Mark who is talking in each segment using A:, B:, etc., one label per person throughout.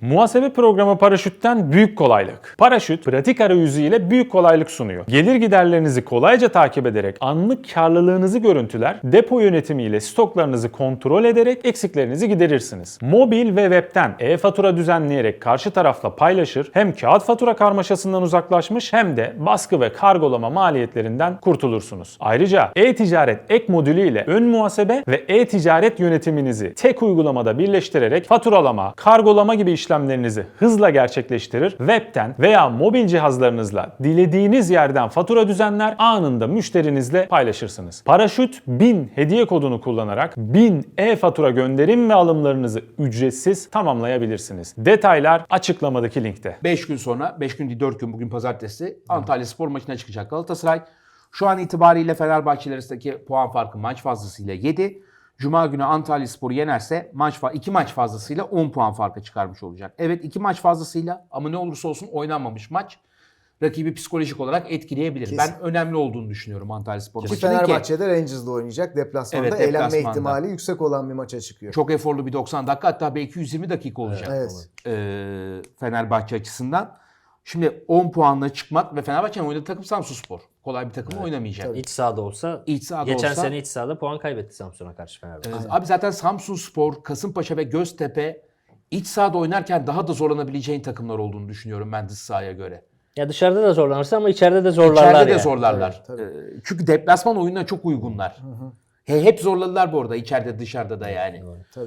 A: Muhasebe programı Paraşüt'ten büyük kolaylık. Paraşüt, pratik arayüzü ile büyük kolaylık sunuyor. Gelir giderlerinizi kolayca takip ederek anlık karlılığınızı görüntüler, depo yönetimi ile stoklarınızı kontrol ederek eksiklerinizi giderirsiniz. Mobil ve webten e-fatura düzenleyerek karşı tarafla paylaşır, hem kağıt fatura karmaşasından uzaklaşmış hem de baskı ve kargolama maliyetlerinden kurtulursunuz. Ayrıca e-ticaret ek modülü ile ön muhasebe ve e-ticaret yönetiminizi tek uygulamada birleştirerek faturalama, kargolama gibi işlemlerinizi hızla gerçekleştirir, webten veya mobil cihazlarınızla dilediğiniz yerden fatura düzenler, anında müşterinizle paylaşırsınız. Paraşüt 1000 hediye kodunu kullanarak 1000 e-fatura gönderim ve alımlarınızı ücretsiz tamamlayabilirsiniz. Detaylar açıklamadaki linkte.
B: 5 gün sonra, 5 gün değil 4 gün, bugün pazartesi Antalyaspor maçına çıkacak Galatasaray. Şu an itibariyle Fenerbahçe arasındaki puan farkı maç fazlasıyla 7. Cuma günü Antalyaspor'u yenerse 2 maç fazlasıyla 10 puan farkı çıkarmış olacak. Evet, 2 maç fazlasıyla, ama ne olursa olsun oynanmamış maç rakibi psikolojik olarak etkileyebilir.
C: Kesin.
B: Ben önemli olduğunu düşünüyorum Antalyaspor
C: Ki
B: maçının ki
C: Fenerbahçe'de Rangers'da oynayacak. Deplasmanda
B: Evet,
C: eğlenme
B: deplasmanda.
C: ihtimali yüksek olan bir maça çıkıyor.
B: çok eforlu bir 90 dakika, hatta belki 120 dakika olacak
C: Evet.
B: Fenerbahçe açısından. Şimdi 10 puanla çıkmak ve Fenerbahçe'nin oynadığı takım Samsunspor. Kolay bir takım oynamayacak.
C: Tabii.
D: İç sahada olsa,
B: İç sahada
D: geçen
B: olsa-
D: sene iç sahada puan kaybetti Samsun'a karşı Fenerbahçe.
B: Abi zaten Samsunspor, Kasımpaşa ve Göztepe iç sahada oynarken daha da zorlanabileceğin takımlar olduğunu düşünüyorum ben dış sahaya göre.
D: Ya dışarıda da zorlanırsa ama içeride de zorlarlar
B: İçeride de
D: yani.
B: zorlarlar.
C: Tabii,
B: Çünkü deplasman oyununa çok uygunlar. Hep zorladılar bu arada, içeride dışarıda da yani.
C: Tabii.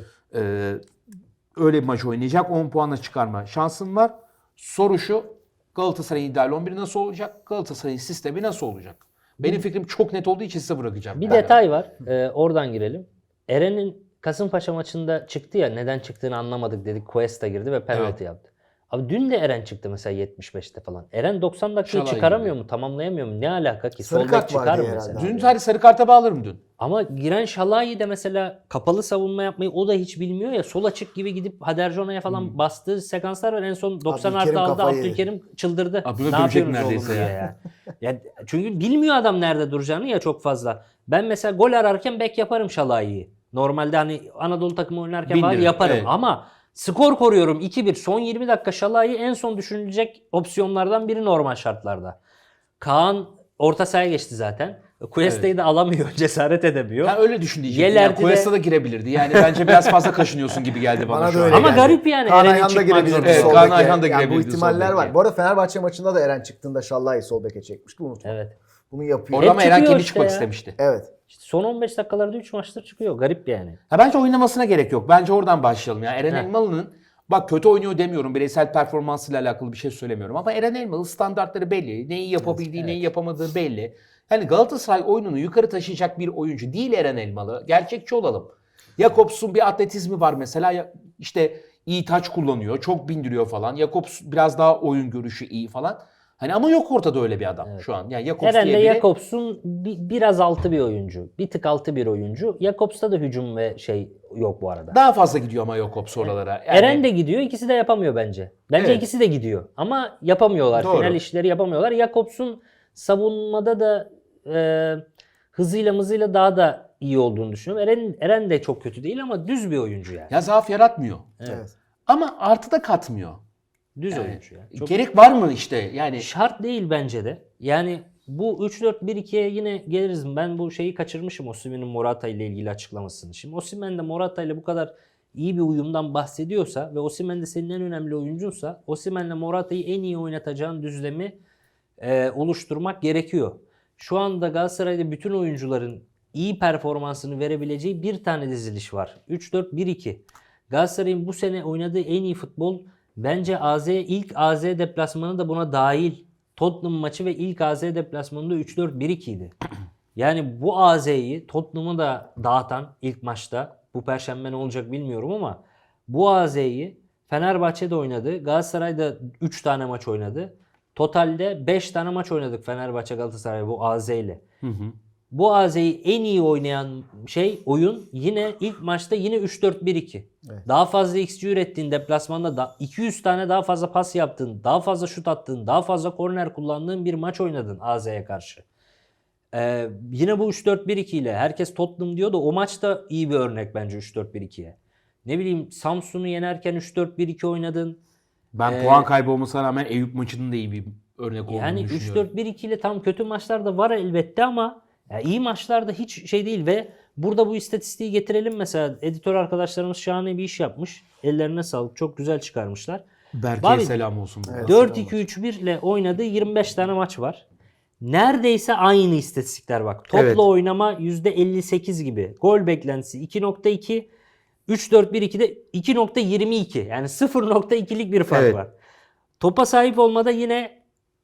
B: Öyle bir maç oynayacak. 10 puanla çıkarma şansın var. Soru şu: Galatasaray'ın ideal 11'i nasıl olacak? Galatasaray'ın sistemi nasıl olacak? Benim fikrim çok net olduğu için size bırakacağım.
D: Bir detay var. Oradan girelim. Eren'in Kasımpaşa maçında çıktı ya, neden çıktığını anlamadık dedik. Cuesta girdi ve penaltı
B: Evet.
D: yaptı. Abi dün de Eren çıktı mesela 75'te falan. Eren 90 dakikayı
B: Şalay
D: çıkaramıyor
B: gibi.
D: mu? Tamamlayamıyor mu? Ne alaka ki?
C: Sarı
D: Sol
C: kart
D: bek çıkar
C: vardı
D: mı
C: herhalde.
D: mesela?
B: Dün sadece sarı karta bağlarım dün.
D: Ama giren Şalai de mesela kapalı savunma yapmayı o da hiç bilmiyor ya. Sol açık gibi gidip Haderjona'ya falan bastığı sekanslar var. En son 90
C: Abdülkerim
D: artı aldı.
C: kafayı yedi.
D: Abdülkerim çıldırdı.
B: Abdülkerim
D: Ne
B: dövecek
D: yapıyorsunuz
B: neredeyse
D: oğlum
B: ya.
D: diye ya. Ya çünkü bilmiyor adam nerede duracağını ya çok fazla. Ben mesela gol ararken bek yaparım Şalai'yi. Normalde hani Anadolu takımı oynarken falan
B: Bindiririm,
D: yaparım.
B: evet.
D: Ama skor koruyorum 2-1. Son 20 dakika Şalai en son düşünülecek opsiyonlardan biri normal şartlarda. Kaan orta sahaya geçti zaten. Cuesta'yı da alamıyor, cesaret edemiyor.
B: Ben öyle düşün diyecektim.
D: Yelerdi
B: Yani
D: de-
B: Cuesta da girebilirdi. Yani bence biraz fazla kaşınıyorsun gibi geldi bana,
C: Bana
B: şu
C: da
B: an.
C: öyle
D: Ama
C: geldi.
D: garip yani,
C: Kaan
D: Eren'in
C: Ayhan da
D: çıkmak
C: girebilirdi
D: zorunda.
B: Evet,
C: sol
B: Kaan
C: beke.
B: Ayhan da
C: Yani bu
B: girebilirdi
C: ihtimaller
B: sol
C: var.
B: beke.
C: Bu arada Fenerbahçe maçında da Eren çıktığında Şallah'ı sol beke çekmişti. Unutma.
D: Evet.
C: Bunu yapıyor.
B: Orada ama Eren
D: çıkıyor
B: kendi
D: işte
B: çıkmak
D: ya.
B: istemişti.
C: Evet.
D: İşte son 15 dakikalarda 3 maçtır çıkıyor. Garip yani.
B: Bence oynamasına gerek yok. Bence oradan başlayalım. Yani Eren
D: Heh.
B: Elmalı'nın, bak kötü oynuyor demiyorum. Bireysel performansıyla alakalı bir şey söylemiyorum. Ama Eren Elmalı standartları belli. Neyi yapabildiği, neyi yapamadığı belli. Yani Galatasaray oyununu yukarı taşıyacak bir oyuncu değil Eren Elmalı. Gerçekçi olalım. Jakobs'un bir atletizmi var mesela. İşte iyi taç kullanıyor. Çok bindiriyor falan. Jakobs biraz daha oyun görüşü iyi falan. Hani ama yok ortada öyle bir adam şu an. Yani Jakobs
D: Eren de
B: diye biri.
D: Jakobs'un biraz altı bir oyuncu. Bir tık altı bir oyuncu. Jakobs'ta da hücum ve şey yok bu arada.
B: Daha fazla gidiyor ama Jakobs oralara. Yani
D: Eren de gidiyor. İkisi de yapamıyor bence. Bence
B: Evet.
D: ikisi de gidiyor. Ama yapamıyorlar.
B: Doğru.
D: Final işleri yapamıyorlar. Jakobs'un savunmada da hızıyla mızıyla daha da iyi olduğunu düşünüyorum. Eren de çok kötü değil ama düz bir oyuncu yani.
B: ya zaaf yaratmıyor.
C: Evet.
B: Ama artı da katmıyor.
D: Düz
B: Yani
D: oyuncu ya. Çok
B: gerek var mı işte? Yani
D: şart değil bence de. Yani bu 3-4-1-2'ye yine geliriz. Ben bu şeyi kaçırmışım, Osimhen'in Morata ile ilgili açıklamasını. Şimdi Osimhen de Morata ile bu kadar iyi bir uyumdan bahsediyorsa ve Osimhen de senin en önemli oyuncunsa, Osimhen'le Morata'yı en iyi oynatacağın düzlemi oluşturmak gerekiyor. Şu anda Galatasaray'da bütün oyuncuların iyi performansını verebileceği bir tane diziliş var. 3-4-1-2. Galatasaray'ın bu sene oynadığı en iyi futbol bence ilk AZ deplasmanı da buna dahil. Tottenham maçı ve ilk AZ deplasmanında 3-4-1-2 idi. Yani bu AZ'yi Tottenham'ı da dağıtan ilk maçta, bu perşembe ne olacak bilmiyorum ama bu AZ'yi Fenerbahçe'de oynadı. Galatasaray'da 3 tane maç oynadı. Totalde 5 tane maç oynadık Fenerbahçe Galatasaray bu AZ ile. Bu AZ'yi en iyi oynayan oyun yine ilk maçta yine 3-4-1-2.
C: Evet.
D: Daha fazla XG ürettiğin deplasmanda da 200 tane daha fazla pas yaptın, daha fazla şut attın, daha fazla korner kullandığın bir maç oynadın AZ'ye karşı. Yine bu 3-4-1-2 ile herkes Tottenham diyor da o maç da iyi bir örnek bence 3-4-1-2'ye. Ne bileyim Samsun'u yenerken 3-4-1-2 oynadın.
B: Ben puan kaybı olmasına rağmen Eyüp maçının da iyi bir örnek olduğunu
D: Yani
B: düşünüyorum.
D: 3-4-1-2 ile tam kötü maçlar da var elbette ama ya iyi maçlarda hiç şey değil ve burada bu istatistiği getirelim mesela. Editör arkadaşlarımız şahane bir iş yapmış. Ellerine sağlık. Çok güzel çıkarmışlar.
B: Berke'ye
D: Abi,
B: selam olsun. Bu
C: Evet.
B: arada.
D: 4-2-3-1 ile oynadığı 25 tane maç var. Neredeyse aynı istatistikler bak. Topla
B: Evet.
D: oynama %58 gibi. Gol beklentisi 2.2. 3-4-1-2'de 2.22. Yani 0.2'lik bir fark
B: Evet.
D: var. Topa sahip olmada yine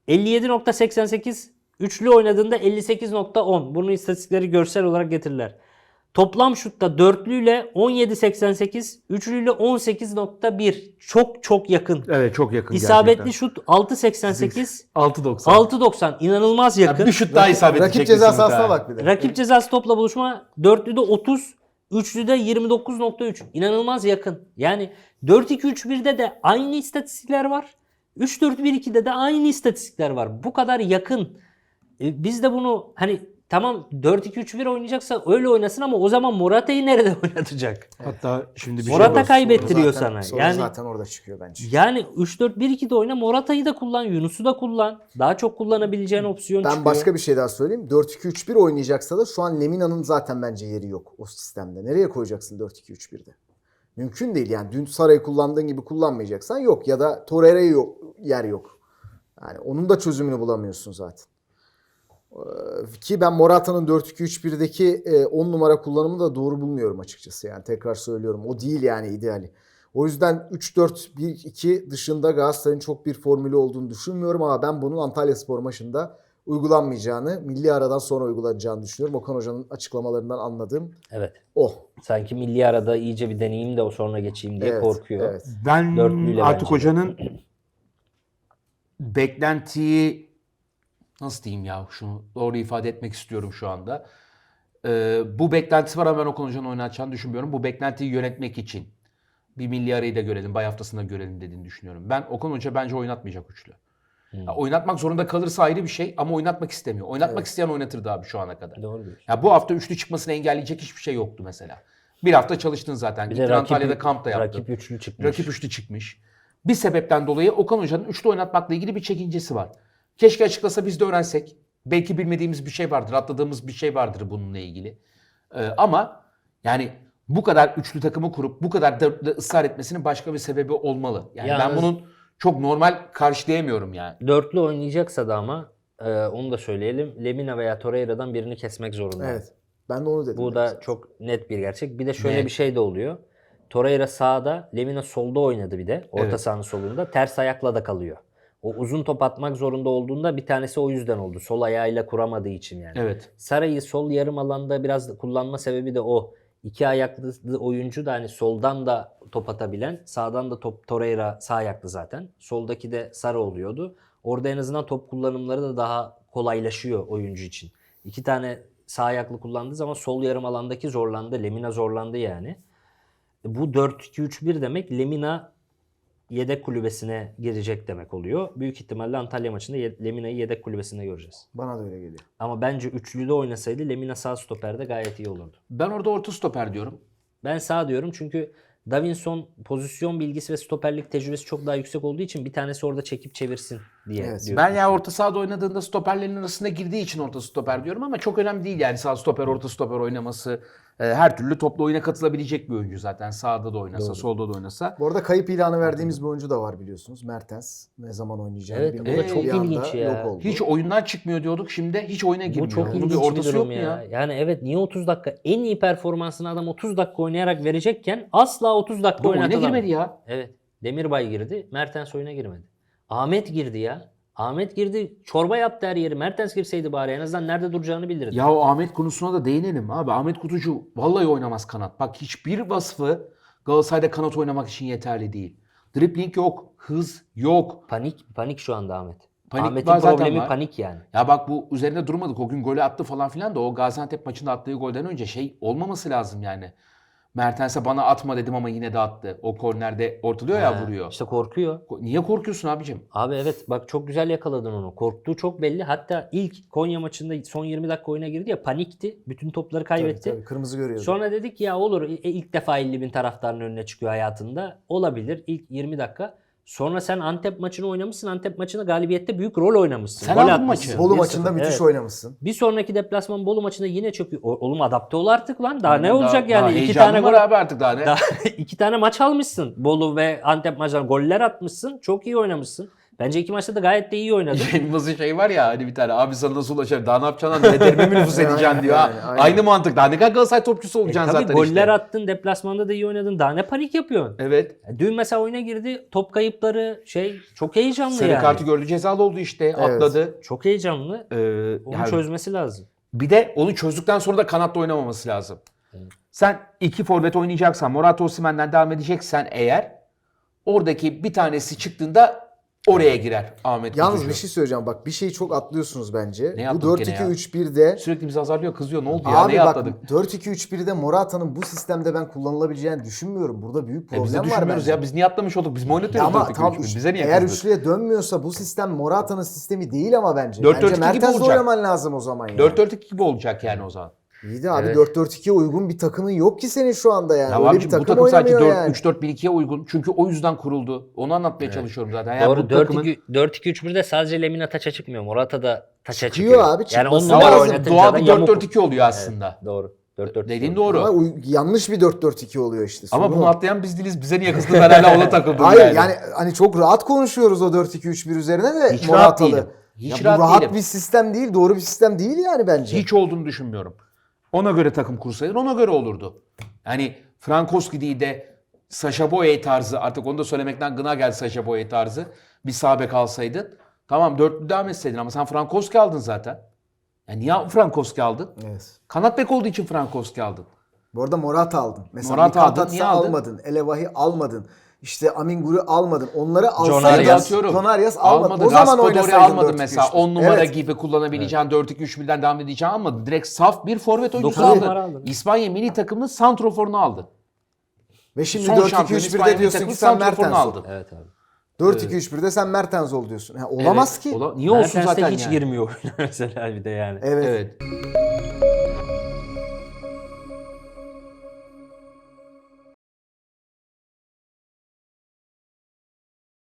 D: 57.88. Üçlü oynadığında 58.10. Bunun istatistikleri görsel olarak getirirler. Toplam şutta dörtlüyle 17.88, üçlüyle 18.1. Çok çok yakın.
B: Evet çok yakın
D: İsabetli
B: gerçekten.
D: şut 6.88,
B: 6.90.
D: 6.90. İnanılmaz yakın.
B: Ya bir şut daha isabet
C: Rakip
B: edecek
C: ceza
B: kesin
C: sahasına
B: muhtemelen.
C: bak bir de.
D: Rakip cezası topla buluşma dörtlüde 30, üçlüde 29.3. İnanılmaz yakın. Yani 4-2-3-1'de de aynı istatistikler var. 3-4-1-2'de de aynı istatistikler var. Bu kadar yakın. Biz de bunu hani tamam 4-2-3-1 oynayacaksa öyle oynasın ama o zaman Morata'yı nerede oynatacak?
B: Hatta şimdi bir
D: Morata
B: şey var.
D: kaybettiriyor
C: Zaten-
D: sana.
C: soru
D: Yani
C: zaten orada çıkıyor bence.
D: yani 3-4-1-2'de oyna, Morata'yı da kullan, Yunus'u da kullan. Daha çok kullanabileceğin opsiyon
C: Ben
D: çıkıyor.
C: başka bir şey daha söyleyeyim. 4-2-3-1 oynayacaksa da şu an Lemina'nın zaten bence yeri yok o sistemde. Nereye koyacaksın 4-2-3-1'de? Mümkün değil yani. Dün Saray'ı kullandığın gibi kullanmayacaksan yok. Ya da Torreira'ya yer yok. Yani onun da çözümünü bulamıyorsun zaten. Ki ben Morata'nın 4-2-3-1'deki 10 numara kullanımını da doğru bulmuyorum açıkçası. Yani tekrar söylüyorum. O değil yani ideali. O yüzden 3-4-1-2 dışında Galatasaray'ın çok bir formülü olduğunu düşünmüyorum ama ben bunun Antalyaspor maçında uygulanmayacağını, milli aradan sonra uygulanacağını düşünüyorum. Okan Hoca'nın açıklamalarından anladığım
D: Evet.
C: o.
D: Sanki milli arada iyice bir deneyeyim de o sonra geçeyim diye
C: Evet,
D: korkuyor.
C: evet.
B: Ben
D: Dörtlüyle
B: artık
D: bence.
B: hocanın beklentiyi nasıl diyeyim ya şunu doğru ifade etmek istiyorum şu anda. Bu beklentisi var ama ben Okan Hoca'nın oynatacağını düşünmüyorum. Bu beklentiyi yönetmek için bir milli arayı da görelim, bay haftasında görelim dediğini düşünüyorum. Ben Okan Hoca bence oynatmayacak üçlü. Ya oynatmak zorunda kalırsa ayrı bir şey ama oynatmak istemiyor. Oynatmak isteyen oynatırdı abi şu ana kadar.
D: Doğru diyorsun.
B: Ya bu hafta üçlü çıkmasını engelleyecek hiçbir şey yoktu mesela. Bir hafta çalıştın zaten.
D: Bir de
B: Gittin Antalya'da kamp da yaptın.
D: rakip üçlü çıkmış.
B: Rakip üçlü çıkmış. Bir sebepten dolayı Okan Hoca'nın üçlü oynatmakla ilgili bir çekincesi var. Keşke açıklasa biz de öğrensek. Belki bilmediğimiz bir şey vardır, atladığımız bir şey vardır bununla ilgili. Ama yani bu kadar üçlü takımı kurup bu kadar da ısrar etmesinin başka bir sebebi olmalı. Yani ben
D: Yalnız-
B: bunun çok normal karşılayamıyorum yani.
D: Dörtlü oynayacaksa da ama onu da söyleyelim. Lemina veya Torreira'dan birini kesmek zorunda.
C: Evet. Ben de onu dedim.
D: Bu da çok net bir gerçek. Bir de şöyle
B: Net.
D: bir şey de oluyor. Torreira sağda, Lemina solda oynadı bir de. Orta
B: Evet.
D: sahanın solunda. Ters ayakla da kalıyor. O uzun top atmak zorunda olduğunda bir tanesi o yüzden oldu. Sol ayağıyla kuramadığı için yani.
B: Evet.
D: Saray'ı sol yarım alanda biraz kullanma sebebi de o. İki ayaklı oyuncu da hani soldan da top atabilen, sağdan da top Torreira sağ ayaklı zaten. Soldaki de Sarı oluyordu. Orada en azından top kullanımları da daha kolaylaşıyor oyuncu için. İki tane sağ ayaklı kullandığı zaman sol yarım alandaki zorlandı. Lemina zorlandı yani. Bu 4-2-3-1 demek Lemina yedek kulübesine girecek demek oluyor. Büyük ihtimalle Antalya maçında Lemina'yı yedek kulübesinde göreceğiz.
C: Bana da öyle geliyor.
D: Ama bence üçlüde oynasaydı Lemina sağ stoperde gayet iyi olurdu.
B: Ben orada orta stoper diyorum.
D: Ben sağ diyorum çünkü Davinson pozisyon bilgisi ve stoperlik tecrübesi çok daha yüksek olduğu için bir tanesi orada çekip çevirsin diye
C: Evet.
D: diyorum.
B: Ben ya orta sahada oynadığında stoperlerin arasında girdiği için orta stoper diyorum ama çok önemli değil yani sağ stoper orta stoper oynaması. Her türlü toplu oyuna katılabilecek bir oyuncu zaten. Sağda da oynasa,
D: Doğru.
B: solda da oynasa.
C: Bu arada kayıp ilanı verdiğimiz bir oyuncu da var biliyorsunuz. Mertens. Ne zaman oynayacağını
D: Evet, bu da
C: bilmiyorum.
D: çok
C: Bir anda
D: ilginç ya.
C: yok oldu.
B: Hiç oyundan çıkmuyor diyorduk. Şimdi hiç oyuna girmiyor.
D: Bu çok
B: Bunun
D: ilginç
B: bir
D: bir
B: ortası
D: durum
B: yok mu
D: ya.
B: ya?
D: Yani evet niye 30 dakika en iyi performansını adam 30 dakika oynayarak verecekken asla 30 dakika
B: Bu oyuna
D: oynatılamıyor.
B: girmedi ya.
D: Evet. Demirbay girdi. Mertens oyuna girmedi. Ahmet girdi ya. Ahmet girdi. Çorba yaptı her yeri. Mertens girseydi bari en azından nerede duracağını bilirdi.
B: Ya o Ahmet konusuna da değinelim abi. Ahmet Kutucu vallahi oynamaz kanat. Bak hiçbir vasfı Galatasaray'da kanat oynamak için yeterli değil. Dribbling yok, hız yok.
D: Panik şu anda Ahmet.
B: Panik
D: Ahmet'in
B: var zaten
D: problemi
B: var.
D: panik yani.
B: Ya bak bu üzerinde durmadık. O gün golü attı falan filan da o Gaziantep maçında attığı golden önce şey olmaması lazım yani. Mertens'e bana atma dedim ama yine de attı. O kornerde ortalıyor ya, vuruyor.
D: İşte korkuyor.
B: Niye korkuyorsun abicim?
D: Abi evet bak çok güzel yakaladın onu. Korktuğu çok belli. Hatta ilk Konya maçında son 20 dakika oyuna girdi ya, panikti. Bütün topları kaybetti.
C: Tabii, kırmızı görüyordu.
D: Sonra dedik ya olur, ilk defa 50.000 taraftarın önüne çıkıyor hayatında. Olabilir ilk 20 dakika. Sonra sen Antep maçını oynamışsın. Antep maçında galibiyette büyük rol oynamışsın.
B: Sen
D: Gol
B: aldın
D: atmışsın.
B: maçı.
C: Bolu
D: 1-0.
C: maçında müthiş
D: Evet.
C: oynamışsın.
D: Bir sonraki deplasman Bolu maçında yine çok iyi. Oğlum adapte ol artık lan. Daha ne
B: Daha-
D: olacak
B: daha
D: yani? İki
B: heyecanım
D: tane
B: var
D: gol.
B: abi artık daha ne?
D: Daha 2 tane maç almışsın. Bolu ve Antep maçlarında goller atmışsın. Çok iyi oynamışsın. Bence 2 maçta da gayet de iyi oynadın.
B: Yayınımızın şey var ya hani bir tane, abi sana nasıl ulaşır, daha ne yapacaksın lan, nelerimi mi nüfus edeceksin diyor.
C: Yani,
B: Ha,
C: aynen.
B: Aynı mantık, daha ne kadar Galatasaray topçusu olacaksın
D: Tabii
B: zaten
D: goller
B: işte.
D: attın. Deplasmanda da iyi oynadın. Daha ne panik yapıyorsun?
B: Evet.
D: Dün mesela oyuna girdi. Top kayıpları çok heyecanlı
B: Sarı
D: yani.
B: kartı gördü, cezalı oldu işte, atladı.
D: Çok heyecanlı. Onu
B: Yani
D: çözmesi lazım.
B: bir de onu çözdükten sonra da kanatta oynamaması lazım. Sen iki forvet oynayacaksan, Morata Osimhen'den devam edeceksen eğer, oradaki bir tanesi çıktığında oraya girer Ahmet
C: Yalnız
B: Kutucu.
C: bir şey söyleyeceğim, bak bir şeyi çok atlıyorsunuz bence.
B: Ne
C: Bu
B: atladık gene ya?
C: 4-2-3-1'de
B: Sürekli bizi azarlıyor, kızıyor. Ne oldu ya?
C: abi
B: Neye
C: bak
B: atladık?
C: 4-2-3-1'de Morata'nın bu sistemde ben kullanılabileceğini düşünmüyorum. Burada büyük problem
B: Biz de
C: var
B: düşünmüyoruz
C: bence.
B: ya. Biz niye atlamış olduk? Biz mi
C: Ya
B: oynatıyoruz
C: ama
B: 4-2-3-1?
C: tam
B: Bize niye
C: eğer
B: kızdın?
C: üçlüye dönmüyorsa bu sistem Morata'nın sistemi değil ama bence.
B: 4-4-2
C: Bence
B: gibi
C: Mertens'le
B: olacak.
C: oynaman lazım o zaman yani.
B: 4-4-2 gibi olacak yani o zaman.
C: İyi de abi
B: Evet.
C: 4-4-2'ye uygun bir takımın yok ki senin şu anda yani.
B: Ya
C: Öyle
B: abicim,
C: bir
B: bu
C: takım
B: takım sadece
C: oynamıyor yani.
B: 4-3-4-1-2'ye uygun. Çünkü o yüzden kuruldu. Onu anlatmaya çalışıyorum zaten. Yani
D: Doğru.
B: bu takımın
D: 4-2-3-1'de sadece Lemina taça çıkmıyor. Morata da taça
C: Çıkıyor
D: çıkıyor.
C: abi,
D: Yani 10
C: çıkması
D: numara
C: lazım.
D: oynatınca
B: doğal
D: da
B: bir
D: yamuk.
B: 4-4-2 oluyor aslında.
D: Doğru. 4-4-2
B: Dediğin
D: oluyor.
B: doğru.
C: Ama yanlış bir 4-4-2 oluyor işte.
B: Ama
C: Sorun
B: bunu
C: o.
B: atlayan biz değiliz. Bize niye kızdın? Ben hala ona takıldım
C: Hayır yani hani çok rahat konuşuyoruz o 4-2-3-1 üzerine de
B: Hiç rahat
C: Moratalı.
B: değilim. Hiç
C: Ya
B: rahat
C: bu rahat
B: değilim.
C: bir sistem değil, doğru bir sistem değil yani bence.
B: Hiç olduğunu düşünmüyorum. Ona göre takım kursaydın, ona göre olurdu. Yani Frankowski değil de Sacha Boey tarzı, artık onu da söylemekten gına geldi, Sacha Boey tarzı bir sağ bek alsaydın. Tamam, dörtlü devam etseydin ama sen Frankowski aldın zaten. Yani niye Frankowski aldın?
C: Evet.
B: Kanat bek olduğu için Frankowski aldın.
C: Bu arada Morata aldın. Mesela
B: Morata aldın,
C: Mikatatsa
B: niye aldın?
C: almadın. Elevahi almadın. İşte Amingur'u almadın. Onları
D: John
C: alsaydın.
D: Arias.
C: John Arias almadın.
B: Almadın.
C: O zaman
B: Raspadori
C: oynasaydın
B: almadın
C: 4-2-3-1.
B: mesela. 10 numara
C: Evet.
B: gibi kullanabileceğin 4-2-3-1'den devam edeceğin almadın. Direkt saf bir forvet oyuncusu
D: Dokuz
B: aldın.
D: numara aldın.
B: İspanya milli takımının santroforunu aldın.
C: Ve şimdi
B: Son şampiyon İspanya
C: 4-2-3-1'de
B: milli
C: diyorsun
B: takımının
C: ki sen
B: santroforunu
C: Mertens ol.
B: aldın.
D: Evet abi.
C: 4-2-3-1'de sen Mertens ol diyorsun. Ha, olamaz
B: Evet.
C: ki.
B: Niye olsun
D: Mertens de
B: zaten
D: hiç
B: yani?
D: girmiyor oyuna mesela bir de yani.
C: Evet.
B: Evet.